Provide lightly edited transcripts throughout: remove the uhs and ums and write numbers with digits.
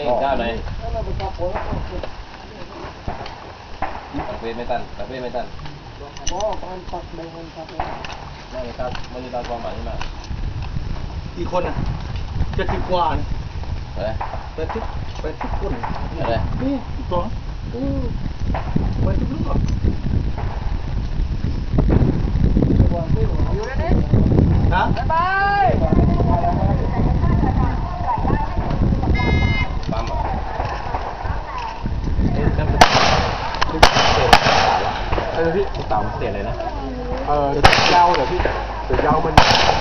เจ้าไหนตัดเวทไม่ตันตัดเวทไม่ตันไม่ตัดไม่ได้ตัดความหมายมากกี่คนอ่ะ70 กว่าเนี่ยอะไร 80 คนอะไรนี่อีกตัวไปทุกเรื่องฮะปั๊มอ่ะพี่ลูกเต่ามันเสียเลยนะยาวเหรอพี่แต่ยาวมัน10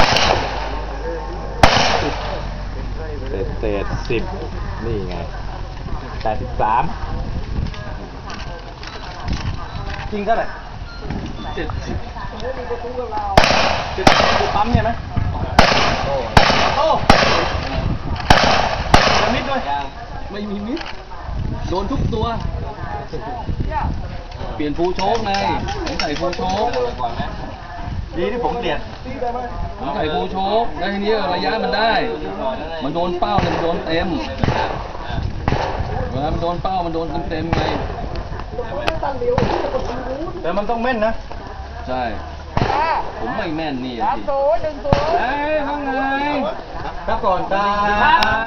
เศษ10นี่ไง83 จริงเท่าไหร่70ปั๊มใช่ไหมโอ้จะมิดด้วยไม่มีมิดโดนทุกตัว เปลี่ยนฟูโชคไงผมใส่ฟูโชคก่อนไหมดีที่ผมเปลี่ยนผมใส่ฟูโชคแล้วทีนี้ระยะมันได้ มันโดนเป้าเนี่ยมันโดนเต็มเวลามันโดนเป้ามันโดนเต็มไงแต่มันต้องแม่นนะใช่ ผมไม่แม่นนี่สิ 1-0 เอ้ยว่าไงครับก่อนครับ